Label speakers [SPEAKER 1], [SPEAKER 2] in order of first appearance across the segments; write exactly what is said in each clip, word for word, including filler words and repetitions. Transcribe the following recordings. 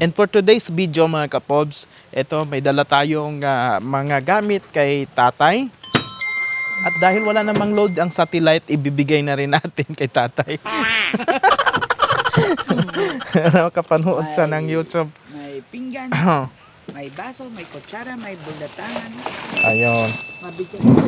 [SPEAKER 1] And for today's video mga kapobs, ito may dala tayong ah, mga gamit kay tatay. At dahil wala namang load ang satellite, ibibigay na rin natin kay tatay. Nakapanood sa ng YouTube.
[SPEAKER 2] May pinggan, may baso, may kutsara, may bulatangan.
[SPEAKER 1] Ayun.
[SPEAKER 2] Mabigyan ko.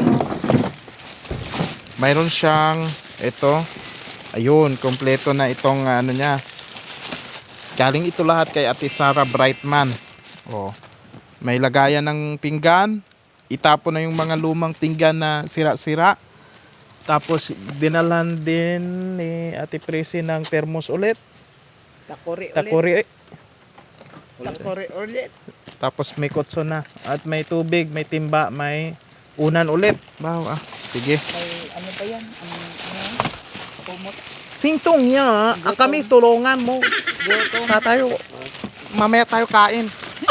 [SPEAKER 1] Mayroon siyang ito. Ayun, kompleto na itong ano niya. Galing ito lahat kay Ate Sarah Brightman. Oh. May lagayan ng pinggan. Itapon na yung mga lumang pinggan na sira-sira. Tapos dinalhan din ni Ate Presi ng thermos ulit.
[SPEAKER 2] Takori ulit.
[SPEAKER 1] Takuri.
[SPEAKER 2] Takori ulit.
[SPEAKER 1] Tapos may kutso na. At may tubig, may timba, may unan ulit. Wow, ah. Sige.
[SPEAKER 2] May ano pa yan? Ano, ano? Kumot.
[SPEAKER 1] Sintong niya, ah, kami tulungan mo. Sa tayo, mamaya tayo kain.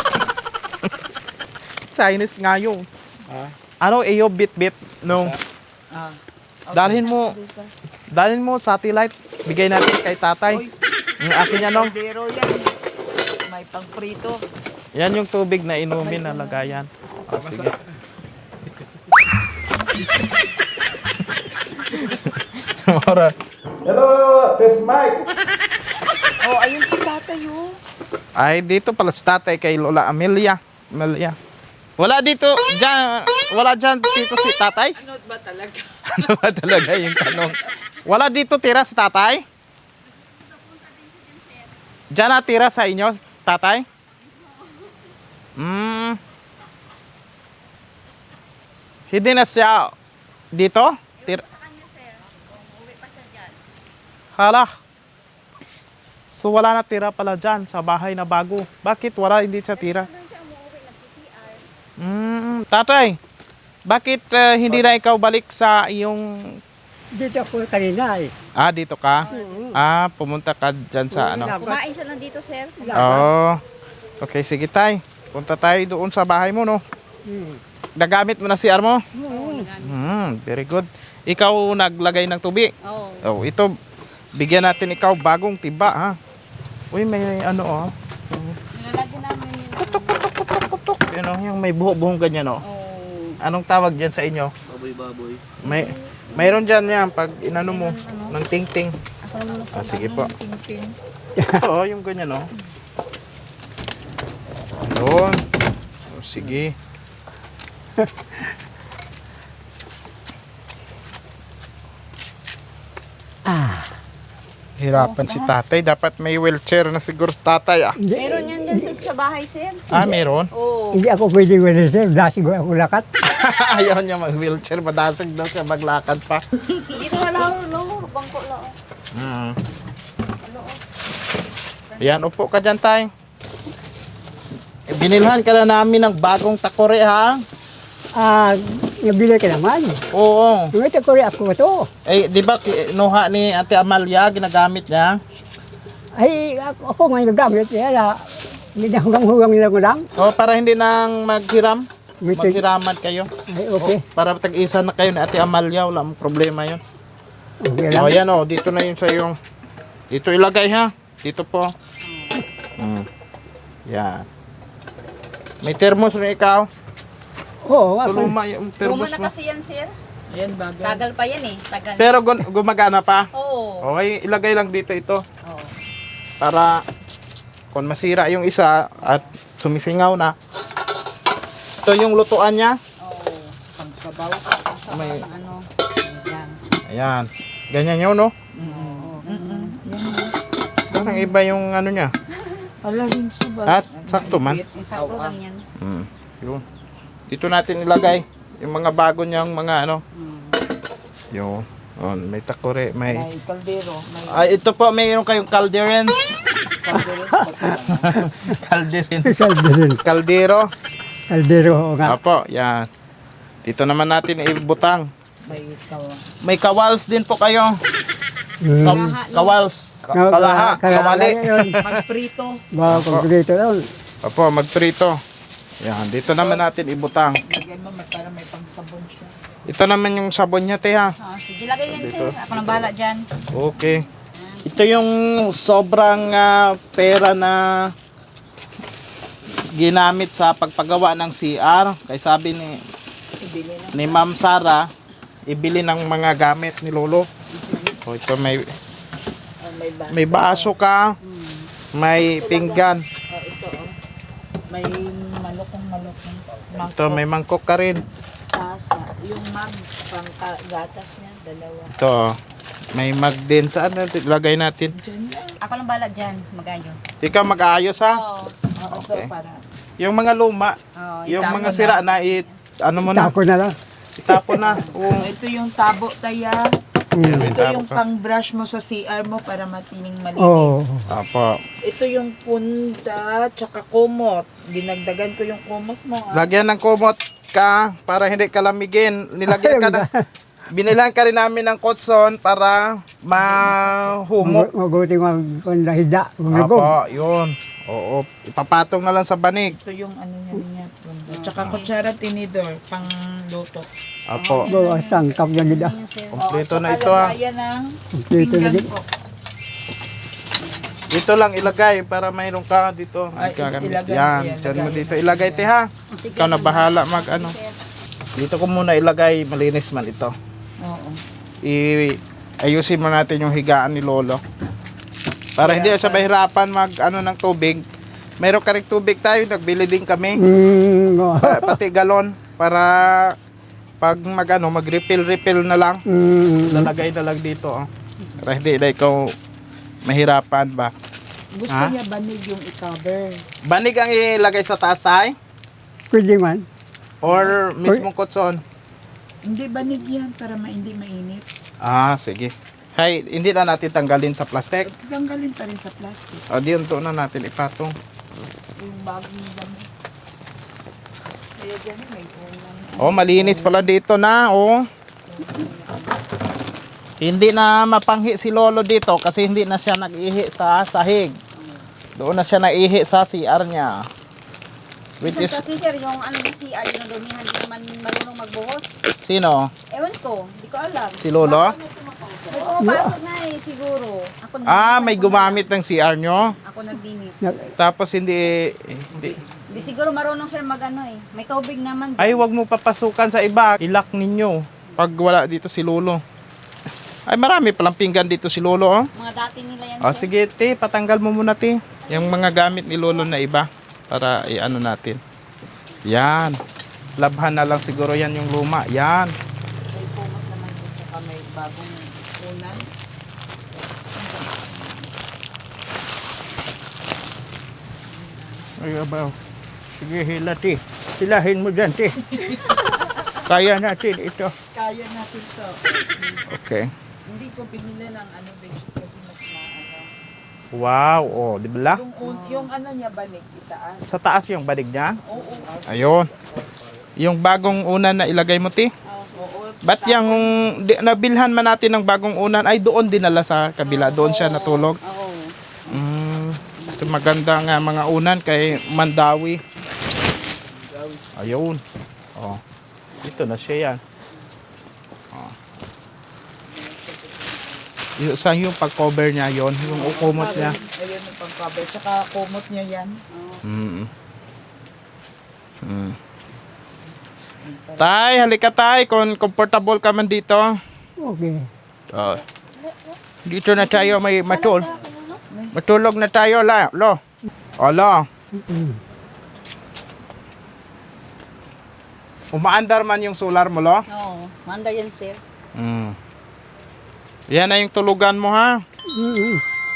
[SPEAKER 1] Chinese nga yun.
[SPEAKER 2] Ah?
[SPEAKER 1] Ano, iyo bit-bit nung
[SPEAKER 2] Ah.
[SPEAKER 1] dalhin mo, dalhin mo satellite, bigay natin kay tatay.
[SPEAKER 2] Oy.
[SPEAKER 1] Yung akin yan, no?
[SPEAKER 2] Kaldero yan. May pangprito.
[SPEAKER 1] Yan yung tubig na inumin na lagayan. Ah, sige. Mora. Hello, Tess Mike.
[SPEAKER 2] Oh, ayun si tatay oh.
[SPEAKER 1] Ay, dito pala si tatay kay Lola Amelia. Amelia. Wala dito, dyan, wala dyan dito si tatay?
[SPEAKER 2] Ano ba talaga?
[SPEAKER 1] Ano ba talaga yung tanong? Wala dito tira si tatay? Diyan na tira sa inyo, tatay? Hmm. Hindi na siya dito? Tira. Hala. So wala na tira pala dyan sa bahay na bago. Bakit wala hindi siya tira? Hmm, tatay. Bakit uh, hindi na ikaw balik sa iyong...
[SPEAKER 3] Dito ako kanina eh.
[SPEAKER 1] Ah, dito ka? Ah, pumunta ka dyan sa ano?
[SPEAKER 4] Kumain siya lang dito, sir.
[SPEAKER 1] Oh. Okay, sige tay. Punta tayo doon sa bahay mo, no?
[SPEAKER 3] Hmm.
[SPEAKER 1] Nagamit mo na si Armo?
[SPEAKER 4] Oo.
[SPEAKER 1] Hmm, very good. Ikaw naglagay ng tubig?
[SPEAKER 4] Oo.
[SPEAKER 1] Oh, ito bigyan natin ikaw bagong tiba, ha. Uy, may ano oh.
[SPEAKER 4] Nilalagyan namin yung...
[SPEAKER 1] Putok putok putok putok. Yun oh, yung may buho-buhong ganyan oh.
[SPEAKER 4] Oo.
[SPEAKER 1] Anong tawag diyan sa inyo?
[SPEAKER 2] Baboy, baboy.
[SPEAKER 1] May mayroon diyan yan pag inano mo ng ting-ting.
[SPEAKER 4] Ako naman
[SPEAKER 1] Ah, sige po.
[SPEAKER 4] Ting-ting.
[SPEAKER 1] Oo, yung ganyan oh. Ayun. Oh, sige. Hirapan si tatay. Dapat may wheelchair na siguro si tatay ah.
[SPEAKER 4] Meron yan dyan sa, sa bahay, sir.
[SPEAKER 1] Ah, meron?
[SPEAKER 4] Oo.
[SPEAKER 3] Hindi ako pwede wala sir. Lasig ako lakat.
[SPEAKER 1] Ayaw niya mag-wheelchair. Madasig daw siya maglakad pa.
[SPEAKER 4] Dito wala, no? Bangko lang.
[SPEAKER 1] Hmm. Yan, upo ka dyan tay. Eh, binilhan ka na namin ng bagong takore ha.
[SPEAKER 3] Ah, nabili ka naman.
[SPEAKER 1] Oo.
[SPEAKER 3] Yung ito ko rin ako ito.
[SPEAKER 1] Eh, di ba kinuha ni Ate Amalia, ginagamit niya?
[SPEAKER 3] Ay, ako, ako ngayon nagamit. Kaya hindi na hugang-hugang nila ko lang.
[SPEAKER 1] O, para hindi nang maghiram.
[SPEAKER 3] May tig-
[SPEAKER 1] Maghiraman kayo.
[SPEAKER 3] Ay, okay.
[SPEAKER 1] O, para tag-isa na kayo ni Ate Amalia, wala mong problema yun.
[SPEAKER 3] Okay lang.
[SPEAKER 1] O, yan o, dito na yun sa yung... Dito ilagay ha. Dito po. Mm. Yan. May thermos na ikaw.
[SPEAKER 3] Oo, ako.
[SPEAKER 1] Tuluma yung
[SPEAKER 4] Luma
[SPEAKER 1] thermos
[SPEAKER 4] na
[SPEAKER 1] mo.
[SPEAKER 4] kasi yan, sir.
[SPEAKER 2] Ayan, bagay.
[SPEAKER 4] Tagal pa yan eh. Tagal.
[SPEAKER 1] Pero gun- gumagana pa.
[SPEAKER 4] Oo.
[SPEAKER 1] Okay, ilagay lang dito ito.
[SPEAKER 4] Oo.
[SPEAKER 1] Para kung masira yung isa at sumisingaw na. Ito yung lutuan niya.
[SPEAKER 4] Oo.
[SPEAKER 2] Pagsabaw.
[SPEAKER 1] May,
[SPEAKER 4] Ano? Yan.
[SPEAKER 1] ayan. Ganyan yun, no?
[SPEAKER 4] Oo.
[SPEAKER 1] Parang iba yung ano niya.
[SPEAKER 2] Ala rin sa ba?
[SPEAKER 1] At sakto man.
[SPEAKER 4] Sakto lang yan.
[SPEAKER 1] Mm, yun. Dito natin ilagay yung mga bago niyang mga ano. Yun. Yun. May takore, may...
[SPEAKER 2] May kaldero. May
[SPEAKER 1] Ay, ito po, mayroon kayong calderens.
[SPEAKER 2] kaldero.
[SPEAKER 1] calderens.
[SPEAKER 3] Kaldero.
[SPEAKER 1] Caldero.
[SPEAKER 3] Kaldero nga.
[SPEAKER 1] Apo, yan. Dito naman natin ibutang.
[SPEAKER 2] May kawa.
[SPEAKER 1] May kawals din po kayo.
[SPEAKER 3] Hmm.
[SPEAKER 1] Ka- kawals. Ka-
[SPEAKER 3] Ka-
[SPEAKER 1] Kalaha.
[SPEAKER 3] ka-
[SPEAKER 1] Kawali.
[SPEAKER 3] yun.
[SPEAKER 2] Magprito.
[SPEAKER 3] Mga pagkakito yun.
[SPEAKER 1] Apo, magprito. Yan, dito naman natin ibutang.
[SPEAKER 2] Lagyan mo para may pangsabon siya.
[SPEAKER 1] Ito naman yung sabon niya, te, ha?
[SPEAKER 4] Ah, sige, lagay yan, sir. Ako nang bahala dyan.
[SPEAKER 1] Okay. Ito yung sobrang ah, pera na ginamit sa pagpagawa ng C R. Kaya sabi ni,
[SPEAKER 2] Ibili na.
[SPEAKER 1] ni Ma'am Sara, ibili ng mga gamit ni Lolo. O ito may,
[SPEAKER 2] Oh, may baso.
[SPEAKER 1] may baso ka, may pinggan.
[SPEAKER 2] Oh, ito oh. May malukong malukong.
[SPEAKER 1] Ito may mangkok ka rin.
[SPEAKER 2] Tasa. Yung mag, pang ka- gatas niya, dalawa.
[SPEAKER 1] Ito, may mag din. Saan natin ilagay natin?
[SPEAKER 2] Diyan lang.
[SPEAKER 4] Ako lang bahala dyan, mag-ayos.
[SPEAKER 1] Ikaw mag-aayos ha?
[SPEAKER 4] Oo.
[SPEAKER 2] Oh,
[SPEAKER 1] Okay.
[SPEAKER 2] ito para.
[SPEAKER 1] Yung mga luma,
[SPEAKER 4] Oo,
[SPEAKER 1] yung
[SPEAKER 2] itapon
[SPEAKER 1] mga
[SPEAKER 2] na.
[SPEAKER 1] sira na, it, ano mo na,
[SPEAKER 3] Tako na lang.
[SPEAKER 1] itapon na. Oo.
[SPEAKER 2] Ito yung tabo taya.
[SPEAKER 3] Mm.
[SPEAKER 2] Ito yung pang-brush mo sa C R mo para matining malinis.
[SPEAKER 3] Oo.
[SPEAKER 1] Apo.
[SPEAKER 2] Ito yung punda, tsaka kumot. Dinagdagan ko yung kumot mo. Ah.
[SPEAKER 1] Lagyan ng kumot ka para hindi ka lamigin. Nilagyan ka na, binilan ka rin namin ng kotson para mahumok.
[SPEAKER 3] Maguti mag kundahida.
[SPEAKER 1] Apo,
[SPEAKER 3] Magugog.
[SPEAKER 1] yun. Oo, ipapatong na lang sa banig.
[SPEAKER 2] Ito yung ano niya niya. Punda. Tsaka kutsara tinidor, pang luto.
[SPEAKER 1] Apo.
[SPEAKER 3] Bawa sangkap na nila.
[SPEAKER 4] Ayan, sir.
[SPEAKER 1] Kompleto na
[SPEAKER 2] Tsaka
[SPEAKER 1] ito ha.
[SPEAKER 2] lagayan ng
[SPEAKER 3] Dito na
[SPEAKER 2] pinggan
[SPEAKER 3] din.
[SPEAKER 2] ko.
[SPEAKER 1] Dito lang ilagay para mayroon ka dito.
[SPEAKER 2] Ay,
[SPEAKER 1] Magkagamit.
[SPEAKER 2] ilagay,
[SPEAKER 1] Yan,
[SPEAKER 2] ayan,
[SPEAKER 1] dyan mo
[SPEAKER 2] lagay.
[SPEAKER 1] dito. Ilagay te ha.
[SPEAKER 4] Sige,
[SPEAKER 1] Ikaw na
[SPEAKER 4] sir.
[SPEAKER 1] bahala mag ano.
[SPEAKER 4] Sir.
[SPEAKER 1] Dito ko muna ilagay, malinis man ito.
[SPEAKER 2] Oo.
[SPEAKER 1] I ayusin mo natin yung higaan ni Lolo. Para hindi siya mahirapan mag ano ng tubig. Mayroon ka rin tubig tayo, nagbili din kami.
[SPEAKER 3] Mm. oo.
[SPEAKER 1] Pa- pati galon para pag mag ano, mag refill refill na lang.
[SPEAKER 3] Mm.
[SPEAKER 1] Lalagay na lang dito. Oh. Para hindi na ikaw mahirapan ba.
[SPEAKER 2] Gusto
[SPEAKER 1] Ha?
[SPEAKER 2] niya banig yung i-cover.
[SPEAKER 1] Banig ang ilagay sa taas tayo?
[SPEAKER 3] Pwede man.
[SPEAKER 1] Or mismong kotson?
[SPEAKER 2] Hindi banig yan para ma hindi mainit.
[SPEAKER 1] Ah, sige. Hay, hindi na natin tanggalin sa plastic.
[SPEAKER 2] Tanggalin pa rin sa plastic.
[SPEAKER 1] O, diyon to na natin ipatong.
[SPEAKER 2] Yung bagong banig. Kaya dyan may ulam.
[SPEAKER 1] Oh, malinis pala dito na, oh. Hindi na mapanghi si Lolo dito kasi hindi na siya nag-ihi sa sahig. Doon na siya naihi sa C R niya. Which
[SPEAKER 4] Minsan
[SPEAKER 1] is,
[SPEAKER 4] kasi sir, yung ano yung C R, yung dumihan, hindi naman marunong magbuhos.
[SPEAKER 1] sino?
[SPEAKER 4] Ewan ko, hindi ko alam.
[SPEAKER 1] Si Lolo?
[SPEAKER 4] May pumapasok na eh, siguro. Ako nag-
[SPEAKER 1] Ah, may
[SPEAKER 4] ako
[SPEAKER 1] gumamit ng C R nyo.
[SPEAKER 4] na- Ako nagdinis.
[SPEAKER 1] Tapos hindi, hindi.
[SPEAKER 4] Hindi siguro marunong sir mag-ano eh. May tubig naman.
[SPEAKER 1] Ay, wag mo papasukan sa iba. Ilak ninyo. Pag wala dito si Lolo. Ay, marami palang pinggan dito si Lolo, oh.
[SPEAKER 4] Mga dati nila yan.
[SPEAKER 1] O,
[SPEAKER 4] sir.
[SPEAKER 1] sige, te, patanggal mo muna, te. Yung mga gamit ni Lolo na iba. Para i-ano natin. Yan. Labhan na lang siguro yan yung luma. Yan.
[SPEAKER 2] May kumot naman dito tsaka may bagong ulam.
[SPEAKER 1] Ay, abaw. Sige, hila, te. Hilahin mo dyan, te. Kaya natin ito.
[SPEAKER 2] Kaya natin to.
[SPEAKER 1] Okay.
[SPEAKER 2] Hindi ko pinili ng ano bedsheet kasi mas maano.
[SPEAKER 1] Wow. Oh, di ba?
[SPEAKER 2] Yung, un- yung ano niya banig itaas.
[SPEAKER 1] Sa taas yung badig niya.
[SPEAKER 2] Oo, oo.
[SPEAKER 1] Ayun. Yung bagong unan na ilagay mo, te.
[SPEAKER 2] Oo.
[SPEAKER 1] Ba't yung di, nabilhan man natin ng bagong unan ay doon dinala sa kabila. Doon siya natulog.
[SPEAKER 4] Oo.
[SPEAKER 1] Mm, ito maganda nga mga unan kay Mandawi. Ayun. Oh. Ito na siya yan. Oh. Yung, saan yung pag-cover niya yon, yung ukumot niya.
[SPEAKER 2] Ayun yung pang-cover. Tsaka kumot niya yan.
[SPEAKER 1] Mm. Mm. Tay, halika tay, kung comfortable ka man dito.
[SPEAKER 3] Okay.
[SPEAKER 1] Oh. Dito na tayo may matul. Matulog na tayo la, lo. Ala.
[SPEAKER 3] Mm.
[SPEAKER 1] Umaandar man yung solar mo, lo.
[SPEAKER 4] Oo. Mandar yan sir.
[SPEAKER 1] Mm. Yan na yung tulugan mo, ha?
[SPEAKER 3] Mm.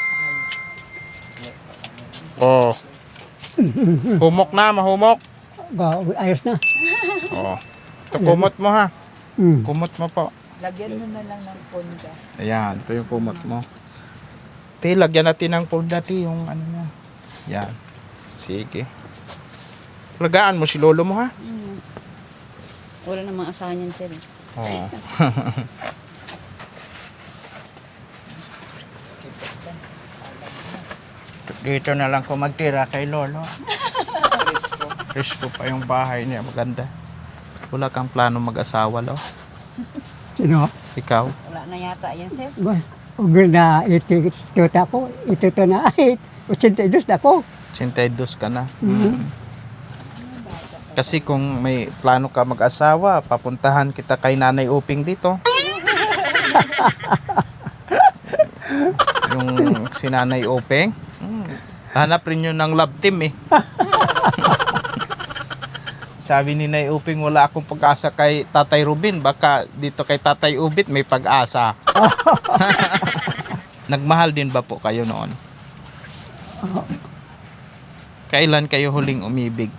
[SPEAKER 1] Oh. Humok na, mahumok.
[SPEAKER 3] Ba, ayos na.
[SPEAKER 1] Oh. Ito kumot mo, ha?
[SPEAKER 3] Mm.
[SPEAKER 1] Kumot mo po.
[SPEAKER 2] Lagyan mo na lang ng punda.
[SPEAKER 1] Ayan, ito yung kumot mo. Te, lagyan natin ng pulda, te, yung ano niya. Yan. Sige. Lagaan mo si lolo mo, ha?
[SPEAKER 4] Mm. Wala namang asahan yan sir.
[SPEAKER 1] Oo. Dito na lang ko magtira kay lolo.
[SPEAKER 2] Presko.
[SPEAKER 1] Presko pa yung bahay niya, maganda. Wala kang plano mag-asawa, lo?
[SPEAKER 3] Sino?
[SPEAKER 1] Ikaw?
[SPEAKER 4] Wala na yata yan sir.
[SPEAKER 3] Ba, ug na ito ito ta ko, ito to na ay, eighty-two na ko.
[SPEAKER 1] eighty-two ka na.
[SPEAKER 3] Mm.
[SPEAKER 1] Kasi kung may plano ka mag-asawa, papuntahan kita kay Nanay Uping dito. Yung si Nanay Uping. Hmm. Hanap rin yun ng love team eh. Sabi ni Nay Uping, wala akong pag-asa kay Tatay Rubin. Baka dito kay Tatay Ubit may pag-asa. Nagmahal din ba po kayo noon? Kailan kayo huling umibig?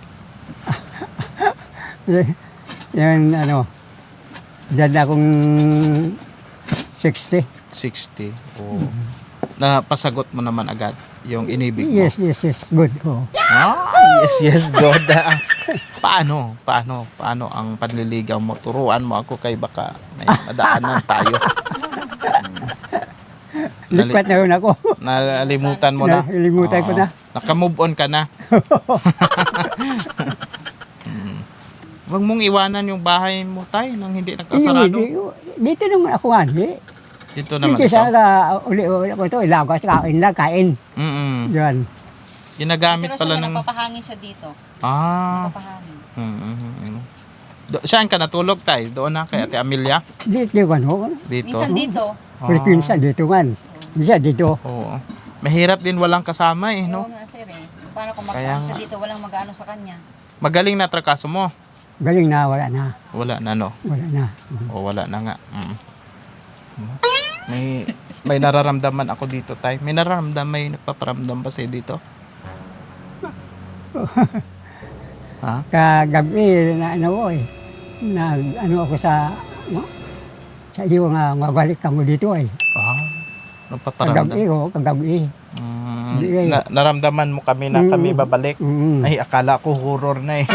[SPEAKER 3] Y- Yung ano, dyan akong sixty.
[SPEAKER 1] sixty. Oh. Napasagot mo naman agad yung inibig mo.
[SPEAKER 3] Yes, yes, yes. Good. Oh.
[SPEAKER 1] Ah, yes, yes, God. Ah, paano? Paano? Paano ang panliligaw mo? Turuan mo ako kay baka may madaanan tayo. Nali-
[SPEAKER 3] Lipat na yun ako.
[SPEAKER 1] Nalimutan mo na?
[SPEAKER 3] Nalimutan ko
[SPEAKER 1] Oo.
[SPEAKER 3] na.
[SPEAKER 1] Naka-move on ka na. Hmm. Huwag mong iwanan yung bahay mo, tay, nang hindi nakasarado.
[SPEAKER 3] Hindi, dito naman ako nga. Di.
[SPEAKER 1] Dito naman
[SPEAKER 3] Dito
[SPEAKER 1] ito.
[SPEAKER 3] sa uh, uli-uli ko ito, ilagas, kain na, kain.
[SPEAKER 1] Mm-mm.
[SPEAKER 3] Diyan.
[SPEAKER 1] Ginagamit
[SPEAKER 4] Pero
[SPEAKER 1] pala
[SPEAKER 4] siya
[SPEAKER 1] ng...
[SPEAKER 4] napapahangin siya dito.
[SPEAKER 1] Ah.
[SPEAKER 4] Napapahangin.
[SPEAKER 1] Mm-mm. Do- saan ka natulog, tay? Doon na kay Ate Amelia?
[SPEAKER 3] Dito yung ano,
[SPEAKER 1] Dito?
[SPEAKER 4] Minsan dito.
[SPEAKER 1] Ah.
[SPEAKER 3] Pilipinsa dito man. Minsan dito.
[SPEAKER 1] Oo. Mahirap din walang kasama eh,
[SPEAKER 4] No?
[SPEAKER 1] no?
[SPEAKER 4] nga sir eh. Paano kung
[SPEAKER 1] Kaya
[SPEAKER 4] magkano
[SPEAKER 1] nga.
[SPEAKER 4] siya dito, walang mag-ano sa kanya.
[SPEAKER 1] Magaling na trakaso mo.
[SPEAKER 3] Galing na, wala na.
[SPEAKER 1] Wala na, no?
[SPEAKER 3] Wala na.
[SPEAKER 1] O wala na nga. Mm. May may nararamdaman ako dito, tay. May nararamdaman, may nagpaparamdam ba sa'yo dito? Ha?
[SPEAKER 3] Kagabi, na ano ko eh. Nag, ano ako sa, no? Sa iyo nga, mabalik ka mo dito eh.
[SPEAKER 1] Ah, nagpaparamdam.
[SPEAKER 3] Kagabi ko, kagabi.
[SPEAKER 1] Mm,
[SPEAKER 3] Hindi eh.
[SPEAKER 1] na, naramdaman mo kami na kami babalik.
[SPEAKER 3] Mm.
[SPEAKER 1] Ay, akala ko horror na eh.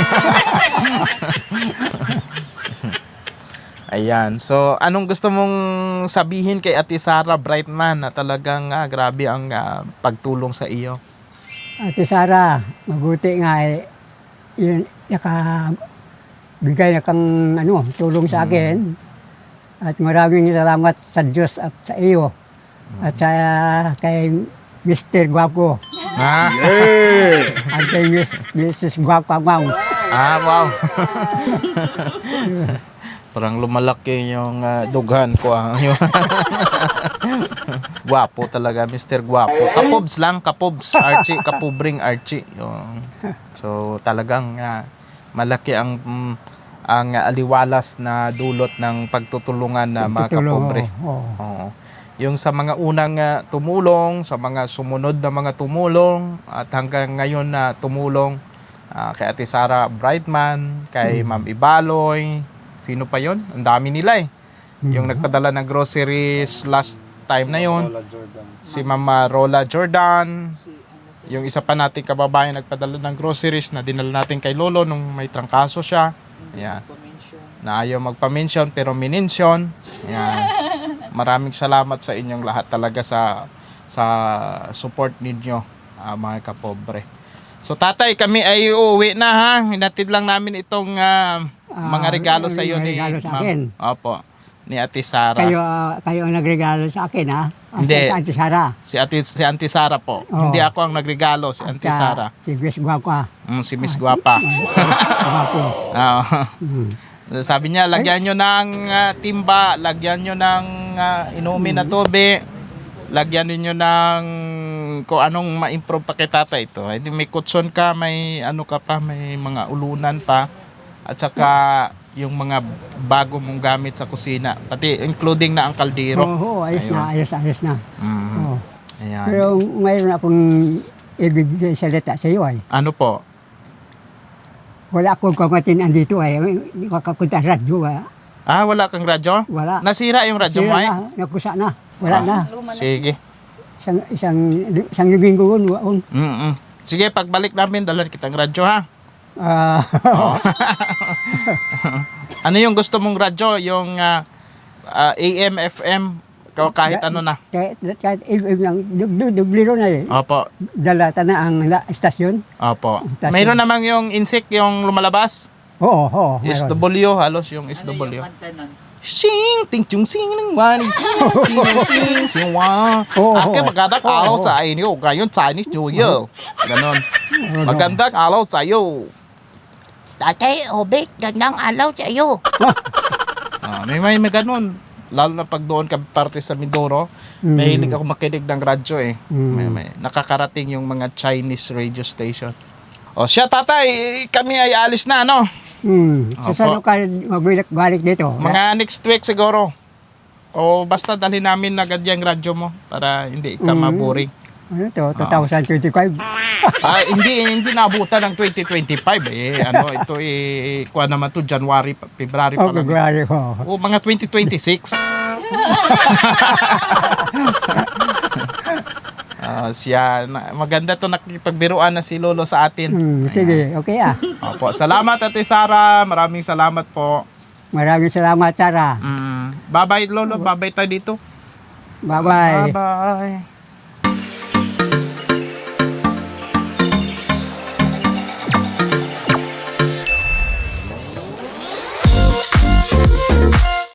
[SPEAKER 1] Ayan. So, anong gusto mong sabihin kay Ate Sara Brightman na talagang ah, grabe ang ah, pagtulong sa iyo?
[SPEAKER 3] Ate Sara, mabuti nga eh, yun, naka, bigay na kang ano, tulong sa akin. At maraming salamat sa Diyos at sa iyo. At sa kay mister Guapo.
[SPEAKER 1] Ha?
[SPEAKER 3] At kay Miss, Missus Guapo Ma'am.
[SPEAKER 1] Ah, wow. Parang lumalaki yung ah, dughan ko. Ah. Guwapo talaga, mister Guwapo. Kapobs lang, kapobs. Archie, kapubring Archie. Yung, so talagang ah, malaki ang mm, ang ah, aliwalas na dulot ng pagtutulungan na mga
[SPEAKER 3] Tutulong,
[SPEAKER 1] kapobre.
[SPEAKER 3] oo.
[SPEAKER 1] Oo. Yung sa mga unang ah, tumulong, sa mga sumunod na mga tumulong, at hanggang ngayon na tumulong ah, kay Ate Sara Brightman, kay Ma'am Ibaloy, sino pa yon? Ang dami nila eh. Yung nagpadala ng groceries last time na yon, si Mama Rola Jordan, yung isa pa nating kababayan nagpadala ng groceries na dinala natin kay Lolo nung may trangkaso siya. Ayan. Na ayaw magpa-mention pero minention. Ayan. Maraming salamat sa inyong lahat talaga sa sa support ninyo, ah, mga kapobre. So tatay, kami ay uuwi na ha. Hinatid lang namin itong ah, mga
[SPEAKER 3] Ah,
[SPEAKER 1] regalo sa iyo
[SPEAKER 3] mga
[SPEAKER 1] ni
[SPEAKER 3] regalo sa
[SPEAKER 1] Ma'am.
[SPEAKER 3] akin.
[SPEAKER 1] Opo. Ni Ate Sara.
[SPEAKER 3] Kayo, ah, kayo ang nagregalo sa akin ha. At
[SPEAKER 1] Hindi.
[SPEAKER 3] sa Ate Sara.
[SPEAKER 1] Si Ate si Auntie Sara po.
[SPEAKER 3] Oo.
[SPEAKER 1] Hindi ako ang nagregalo, si Auntie
[SPEAKER 3] Sa-
[SPEAKER 1] Sara.
[SPEAKER 3] Si Miss Guapo.
[SPEAKER 1] Mm, si Miss Guapa.
[SPEAKER 3] Guapo.
[SPEAKER 1] Oo.
[SPEAKER 3] Mm.
[SPEAKER 1] Sabi niya, lagyan nyo ng ah, timba, lagyan nyo ng ah, inumin na tubig, lagyan niyo ng kung anong ma-improve pa kay tatay ito. Hindi may kutson ka, may ano ka pa, may mga ulunan pa, at saka yung mga bago mong gamit sa kusina, pati including na ang kaldero.
[SPEAKER 3] Oo, ayos
[SPEAKER 1] Ayun.
[SPEAKER 3] na, ayos, ayos na.
[SPEAKER 1] Mhm.
[SPEAKER 3] Oo.
[SPEAKER 1] Ayan.
[SPEAKER 3] Pero mayroon akong ibigay salita sa iyo ay.
[SPEAKER 1] Ano po?
[SPEAKER 3] Wala akong kamatin dito ay. Hindi ko kakunta radyo. ah.
[SPEAKER 1] Ah, wala kang radyo?
[SPEAKER 3] Wala.
[SPEAKER 1] Nasira yung radyo mo
[SPEAKER 3] Sira
[SPEAKER 1] ay?
[SPEAKER 3] na, nakusa na. Wala
[SPEAKER 1] Ah.
[SPEAKER 3] na.
[SPEAKER 4] Luma na.
[SPEAKER 1] Sige.
[SPEAKER 3] Isang, isang, isang linggo yun. waon.
[SPEAKER 1] Mm-mm. Sige, pagbalik namin, dalhan kitang radyo ha.
[SPEAKER 3] Ah,
[SPEAKER 1] Ano yung gusto mong radyo? Yung ah, ah, A M, F M, o kahit ano na.
[SPEAKER 3] kahit, kahit ibig lang, dug- dug- dugliro na eh.
[SPEAKER 1] Opo.
[SPEAKER 3] Dalata na ang la- estasyon.
[SPEAKER 1] Opo.
[SPEAKER 3] Tas-
[SPEAKER 1] Mayroon namang yung insect, yung lumalabas.
[SPEAKER 3] Oo, oo.
[SPEAKER 1] S
[SPEAKER 3] mayroon.
[SPEAKER 1] W, halos yung S W.
[SPEAKER 2] kanta nun?
[SPEAKER 1] Sing, ting, chung, sing, ng wani, sing, sing, sing, sing, wa.
[SPEAKER 3] Oo,
[SPEAKER 1] Ake,
[SPEAKER 3] oo.
[SPEAKER 1] magandang
[SPEAKER 3] Oo,
[SPEAKER 1] araw
[SPEAKER 3] oo.
[SPEAKER 1] sa inyo. Ngayon, Chinese New Year. Ganon. Magandang araw sa iyo.
[SPEAKER 5] Tatay, Obet, gandang alaw sa iyo.
[SPEAKER 1] Ah, may may may ganun. Lalo na pag doon ka parte sa Mindoro,
[SPEAKER 3] Mm.
[SPEAKER 1] mahilig ako makinig ng radyo eh.
[SPEAKER 3] Mm.
[SPEAKER 1] May, may, nakakarating yung mga Chinese radio station. O siya tatay, eh, kami ay alis na ano.
[SPEAKER 3] Hmm. So,
[SPEAKER 1] Opo.
[SPEAKER 3] saan ka magbalik dito?
[SPEAKER 1] Mga next week siguro. O basta dalhin namin agad yung radyo mo para hindi ka
[SPEAKER 3] Mm.
[SPEAKER 1] maboring.
[SPEAKER 3] Ano to? twenty twenty-five?
[SPEAKER 1] Ah, hindi hindi naabutan ng twenty twenty-five eh. Ano ito eh kuha naman to January, pa- February pa
[SPEAKER 3] Oh,
[SPEAKER 1] lang.
[SPEAKER 3] February ko.
[SPEAKER 1] O mga twenty twenty-six. Ah, siya na- maganda to nakipagbiruan na si Lolo sa atin.
[SPEAKER 3] Hmm, sige, okay ah.
[SPEAKER 1] Opo, salamat Ate Sara, maraming salamat po.
[SPEAKER 3] Maraming salamat, Sarah.
[SPEAKER 1] Mm. Bye-bye Lolo, bye-bye tayo dito.
[SPEAKER 3] Bye-bye.
[SPEAKER 1] Bye-bye.